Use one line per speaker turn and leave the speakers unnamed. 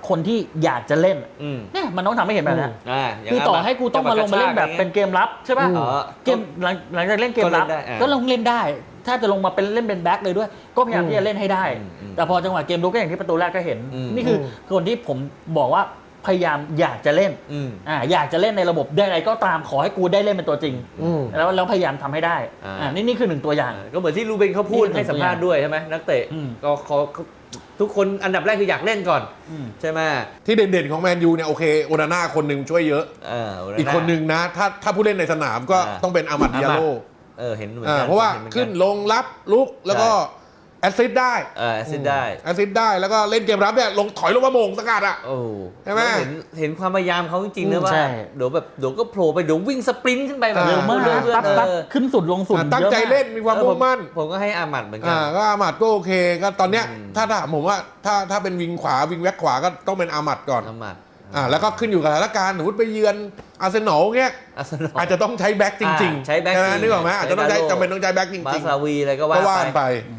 คนที่อยากจะเล่นเนี่ยมันต้องทำให้เห็นแบบนั้นคือต่อให้กูต้องมาลงมาเล่นแบบเป็นเกมรับใช่ป่ะเกมหลังจากเล่นเกมรับก็ลงเล่นได้ถ้าจะลงมาเป็นเล่นเป็นแบ็คเลยด้วยก็พยายามที่จะเล่นให้ได้แต่พอจังหวะเกมลุกก็อย่างที่ประตูแรกก็เห็นนี่คือคนที่ผมบอกว่าพยายามอยากจะเล่นอยากจะเล่นในระบบได้อะไรก็ตามขอให้กูได้เล่นเป็นตัวจริงแล้วพยายามทำให้ได้นี่คือหนึ่งตัวอย่าง
ก็เหมือนที่รูเบนเขาพูดให้สัมภาษณ์ด้วยใช่ไหมนักเตะก็เขาทุกคนอันดับแรกคืออยากเล่นก่อนใช่ไหม
ที่เด่นๆของแมนยูเนี่ยโอเคโอนาน่าคนหนึ่งช่วยเยอะอีกคนหนึ่งนะถ้าผู้เล่นในสนามก็ต้องเป็นอามัดดิอาโล
เห็นเหมือนกัน
เพราะว่าขึ้นลงรับลุกแล้วก็แอสซิสต์ได้
แอสซิสต์
ได้แล้วก็เล่นเกมรับเนี่ยถอยลงมาโมงสกัดอ่ะใช่ไหม
เห็นความพยายามเขาจริงๆนะว่าเดี๋ยวก็โผล่ไปเดี๋ยววิ่งสปรินต์ขึ้นไปแบบ
เร็วมากปั๊บขึ้นสุดลงสุด
ตั้งใจเล่นมีความมุ่งมั่น
ผมก็ให้อามัดเหมือนกัน
ก็อามัดก็โอเคก็ตอนเนี้ยถ้าผมว่าถ้าเป็นวิงขวาวิงแบ็คขวาก็ต้องเป็นอามัดก่อนแล้วก็ขึ้นอยู่กับสถานการณ์สมมติไปเยือนอาร์เซนอลเงี้ยอาจจะต้องใช้แบ็คจริงๆ
ใช้แบ็ค
นึกออกไหมอาจจะต้องจำเป็นต้องใช้แบ็คจริงๆ
มาซาวีอะไรก็ว่าไป